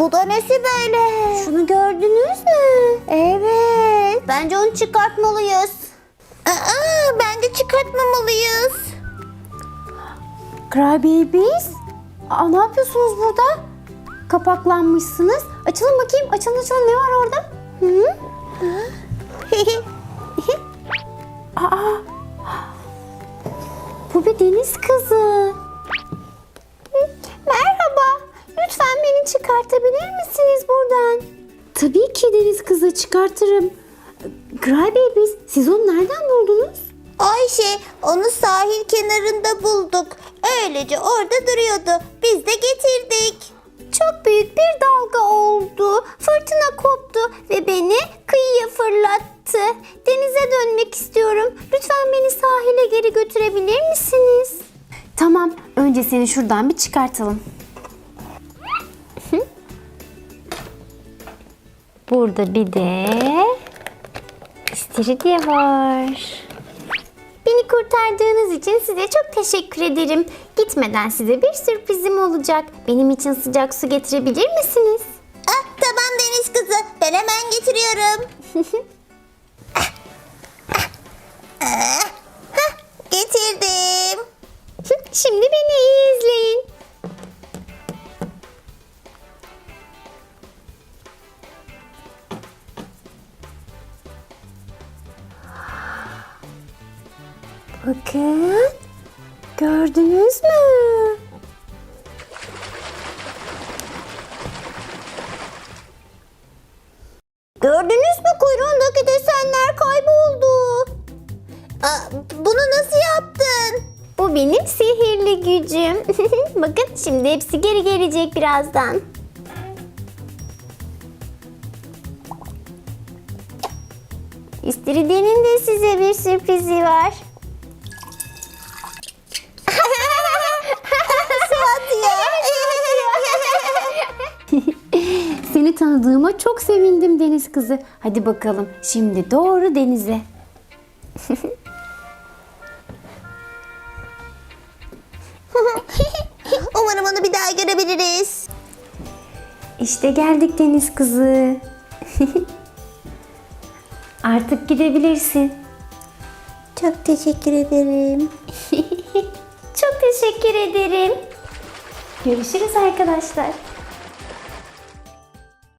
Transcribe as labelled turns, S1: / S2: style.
S1: Bu da nesi böyle? Şunu gördünüz mü? Evet. Bence onu çıkartmalıyız. Bence çıkartmamalıyız.
S2: Crybabies, ne yapıyorsunuz burada? Kapaklanmışsınız. Açılın bakayım. Açılın açılın. Ne var orada? Hı? Aa, bu bir deniz kızı. Merhaba. Lütfen beni çıkartabilir misiniz buradan? Tabii ki deniz kızı, çıkartırım. Crybabies, siz onu nereden buldunuz?
S1: Ayşe, onu sahil kenarında bulduk. Öylece orada duruyordu. Biz de getirdik. Çok büyük bir dalga oldu. Fırtına koptu ve beni kıyıya fırlattı. Denize dönmek istiyorum. Lütfen beni sahile geri götürebilir misiniz? Tamam, önce seni şuradan bir çıkartalım. Burada bir de istiridye var. Beni kurtardığınız için size çok teşekkür ederim. Gitmeden size bir sürprizim olacak. Benim için sıcak su getirebilir misiniz? Tamam deniz kızı. Ben hemen getiriyorum. Getirdim. Şimdi beni iyi izleyin. Bakın. Gördünüz mü? Gördünüz mü, kuyruğundaki desenler kayboldu. Bunu nasıl yaptın? Bu benim sihirli gücüm. Bakın şimdi hepsi geri gelecek birazdan. İstiridye'nin de size bir sürprizi var. Seni tanıdığıma çok sevindim deniz kızı. Hadi bakalım şimdi doğru denize. Umarım onu bir daha görebiliriz.
S2: İşte geldik deniz kızı. Artık gidebilirsin.
S1: Çok teşekkür ederim.
S2: Çok teşekkür ederim. Görüşürüz arkadaşlar.